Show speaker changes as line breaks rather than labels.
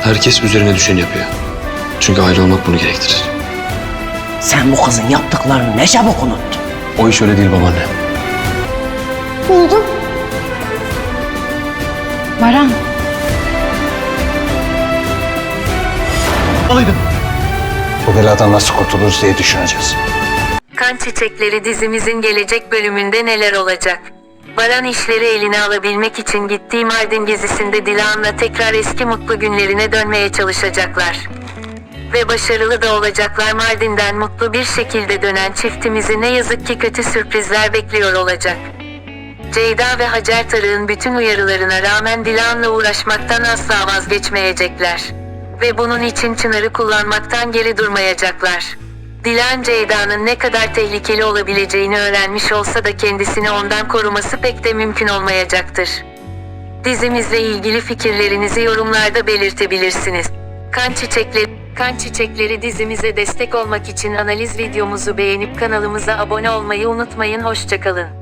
Herkes üzerine düşeni yapıyor. Çünkü aile olmak bunu gerektirir.
Sen bu kızın yaptıklarını ne çabuk unuttun.
O iş öyle değil babaanne.
Buldum.
Baran.
Bu beladan nasıl kurtuluruz diye düşüneceğiz.
Kan Çiçekleri dizimizin gelecek bölümünde neler olacak? Baran işleri eline alabilmek için gittiği Mardin gezisinde Dilan'la tekrar eski mutlu günlerine dönmeye çalışacaklar. Ve başarılı da olacaklar. Mardin'den mutlu bir şekilde dönen çiftimizi ne yazık ki kötü sürprizler bekliyor olacak. Ceyda ve Hacer Tarık'ın bütün uyarılarına rağmen Dilan'la uğraşmaktan asla vazgeçmeyecekler. Ve bunun için Çınar'ı kullanmaktan geri durmayacaklar. Dilan Ceyda'nın ne kadar tehlikeli olabileceğini öğrenmiş olsa da kendisini ondan koruması pek de mümkün olmayacaktır. Dizimizle ilgili fikirlerinizi yorumlarda belirtebilirsiniz. Kan Çiçekleri dizimize destek olmak için analiz videomuzu beğenip kanalımıza abone olmayı unutmayın. Hoşça kalın.